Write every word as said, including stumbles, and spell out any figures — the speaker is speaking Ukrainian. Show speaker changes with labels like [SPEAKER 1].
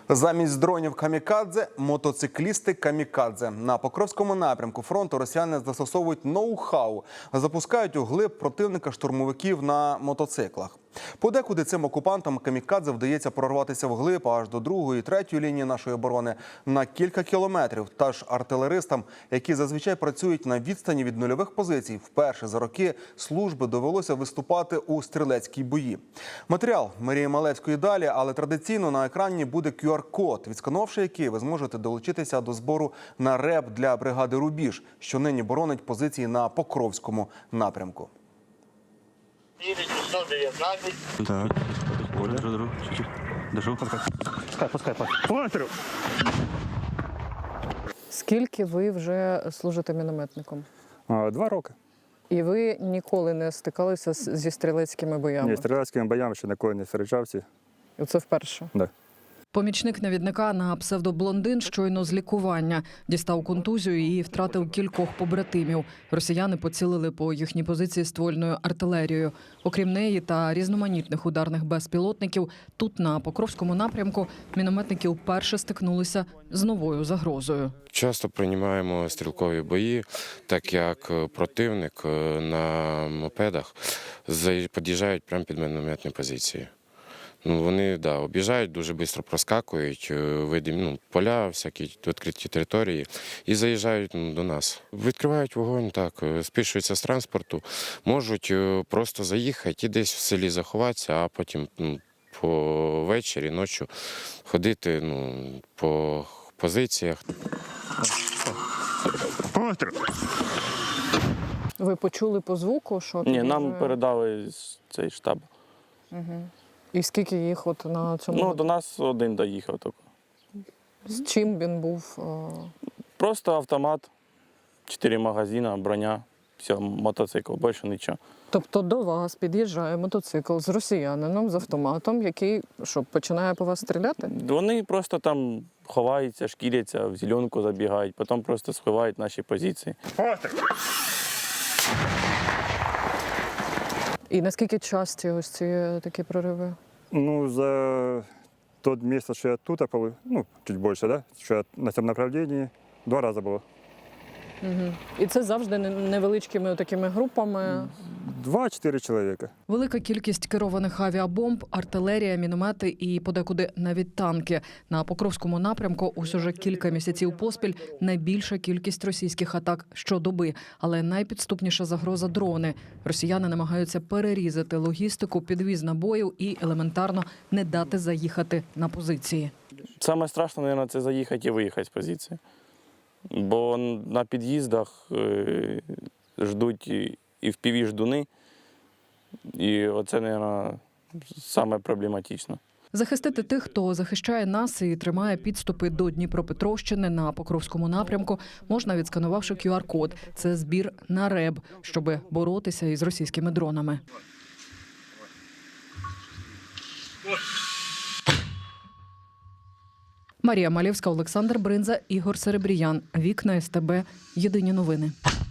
[SPEAKER 1] Замість дронів камікадзе – мотоциклісти камікадзе. На Покровському напрямку фронту росіяни застосовують ноу-хау. Запускають у глиб противника штурмовиків на мотоциклах. Подекуди цим окупантам камікадзе вдається прорватися вглиб аж до другої, третьої лінії нашої оборони на кілька кілометрів. Та ж артилеристам, які зазвичай працюють на відстані від нульових позицій, вперше за роки служби довелося виступати у стрілецькій бої. Матеріал Марії Малевської далі, але традиційно на екрані буде кю ар-код, відсканувавши який ви зможете долучитися до збору на РЕБ для бригади «Рубіж», що нині боронить позиції на Покровському напрямку.
[SPEAKER 2] Так, держу, держу, чуть-чуть. Держу. Пускай, пускай, пускай.
[SPEAKER 3] Скільки ви вже служите мінометником?
[SPEAKER 4] Два роки.
[SPEAKER 3] І ви ніколи не стикалися з- зі стрілецькими боями?
[SPEAKER 4] Ні, стрілецькими боями ще ніколи не зустрічався.
[SPEAKER 3] І це вперше?
[SPEAKER 4] Да.
[SPEAKER 5] Помічник навідника на псевдоблондин щойно з лікування. Дістав контузію і втратив кількох побратимів. Росіяни поцілили по їхній позиції ствольною артилерією. Окрім неї та різноманітних ударних безпілотників, тут на Покровському напрямку мінометники вперше стикнулися з новою загрозою.
[SPEAKER 6] Часто приймаємо стрілкові бої, так як противник на мопедах під'їжджають прямо під мінометні позиції. Ну, вони да, об'їжджають, дуже швидко проскакують, видимі ну, поля, всякі відкриті території і заїжджають ну, до нас. Відкривають вогонь, так, спішуються з транспорту, можуть просто заїхати і десь в селі заховатися, а потім ну, по вечорі, ночі ходити ну, по позиціях.
[SPEAKER 3] Ви почули по звуку, що...
[SPEAKER 7] Ні, нам
[SPEAKER 3] під'їжджає?
[SPEAKER 7] передали з цей штаб.
[SPEAKER 3] Угу. І скільки їх от на цьому?
[SPEAKER 7] Ну, до нас один доїхав тільки.
[SPEAKER 3] З чим він був? а,
[SPEAKER 7] Просто автомат, чотири магазини, броня, все, мотоцикл, більше нічого.
[SPEAKER 3] Тобто до вас під'їжджає мотоцикл з росіянином, з автоматом, який що, починає по вас стріляти?
[SPEAKER 7] Вони просто там ховаються, шкіряться, в зеленку забігають, потім просто сховають наші позиції.
[SPEAKER 3] І наскільки часті ось ці такі прориви?
[SPEAKER 4] Ну, за тот місяць, що я тут, побыл, ну, чуть більше, да? Що я на цьому направленні, два рази було.
[SPEAKER 3] Угу. І це завжди не- невеличкими такими групами?
[SPEAKER 4] Два-чотири чоловіка.
[SPEAKER 5] Велика кількість керованих авіабомб, артилерія, міномети і подекуди навіть танки. На Покровському напрямку ось уже кілька місяців поспіль найбільша кількість російських атак щодоби. Але найпідступніша загроза – дрони. Росіяни намагаються перерізати логістику, підвіз набоїв і елементарно не дати заїхати на позиції.
[SPEAKER 7] Саме страшне, мабуть, це заїхати і виїхати з позиції. Бо на під'їздах е, ждуть і і в піві ждуни, і оце, мабуть, саме проблематично.
[SPEAKER 5] Захистити тих, хто захищає нас і тримає підступи до Дніпропетровщини на Покровському напрямку, можна, відсканувавши кю ар-код. Це збір на РЕБ, щоб боротися із російськими дронами. Марія Малєвська, Олександр Бринза, Ігор Серебріян. Вікна ес те бе. Єдині новини.